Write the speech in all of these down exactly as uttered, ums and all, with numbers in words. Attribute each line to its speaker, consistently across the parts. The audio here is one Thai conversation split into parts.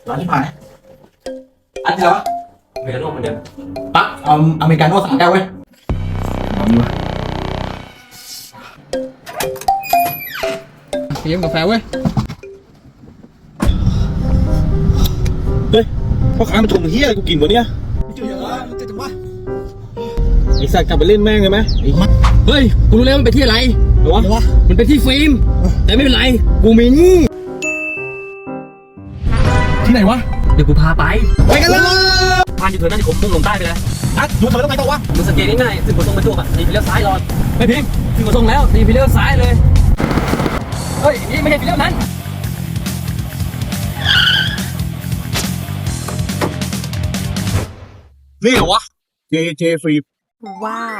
Speaker 1: ร้อนชิบหายอันที่แล้ววะ
Speaker 2: อเมริกาโน่เหมือนเดิม
Speaker 1: ปั๊บเอาอเมริกาโน่สามแก้วเว้ยเอาดีวะเตรียมกาแฟเว้ยเฮ้ยพ่อค้ามาชงเฮียอะไรกูกินวะเนี่ยเจ๋งวะเจ๋งวะไอสัตว์กลับไปเล่นแม่งเลยไหมไอ้เฮ้ยกูรู้แล้วมันไปที่อะไรหรอวะมันไปที่ฟิล์มแต่ไม่เป็นไรกูมีนี่ที่ไหนวะ
Speaker 2: เดี๋ยวกูพาไป
Speaker 1: ไปกันเลย
Speaker 2: พานอยู่เถอะนั่นผมมุ่งลงใต้ไปเลย
Speaker 1: นัดดูทำไมต้องไปต่อวะ
Speaker 2: มึงสังเกตง่ายๆถึงขนส่งประจวบอ่ะนี่ไปเลี้ยวซ้ายรอ
Speaker 1: ไม่พิมพ์
Speaker 2: ถึงขนส่งแล้วนี่ไปเลี้ยวซ้ายเลยเฮ้ยนี่ไม่ใช่ไปเลี้ยวนั้น
Speaker 1: นี่เหรอวะ เจ เจ ฟิล์ม
Speaker 3: ว้าว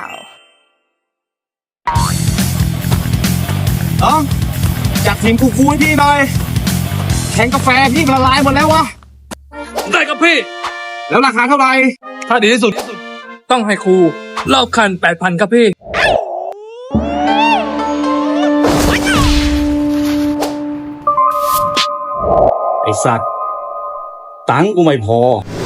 Speaker 1: น้องจัดทีมกูคูให้พี่หน่อยแข่งกาแฟพี่ละลายหมดแล้ววะ
Speaker 4: ได้ครับพี่
Speaker 1: แล้วราคาเท่าไหร่
Speaker 4: ถ้าดีที่สุดต้องให้ครูรอบคันแปดพันครับพี่
Speaker 1: ไอสัตว์ตังกูไม่พอ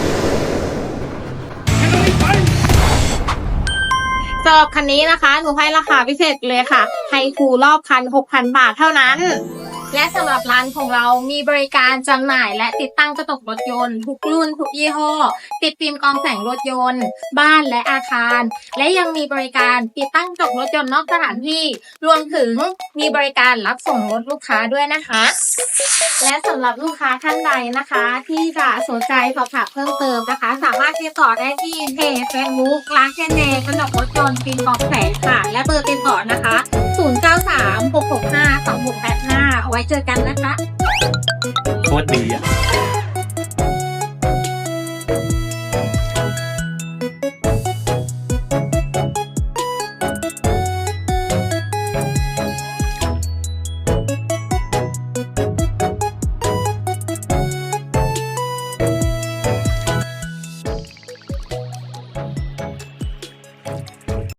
Speaker 3: สำหรับคันนี้นะคะหนูให้ราคาพิเศษเลยค่ะให้ครูรอบคัน หกพัน บาทเท่านั้นและสำหรับร้านของเรามีบริการจำหน่ายและติดตั้งกระจกรถยนต์ทุกรุ่นทุกยี่ห้อติดฟิล์มกรองแสงรถยนต์บ้านและอาคารและยังมีบริการติดตั้งกระจกรถยนต์นอกสถานที่รวมถึงมีบริการรับส่งรถลูกค้าด้วยนะคะและสำหรับลูกค้าท่านใดนะคะที่จะสนใจสอบถามเพิ่มเติมนะคะสามารถติดต่อได้ที่เพจเฟซบุ๊กร้านแคนเนกระจกรถยนต์ฟิล์มกรองแสงค่ะและเบอร์ติดต่อนะคะศูนย์ เก้า สาม หก หก ห้า สอง หก แปด ห้าเอาไว้เจอกันนะคะ
Speaker 2: โคตรดีอ่ะ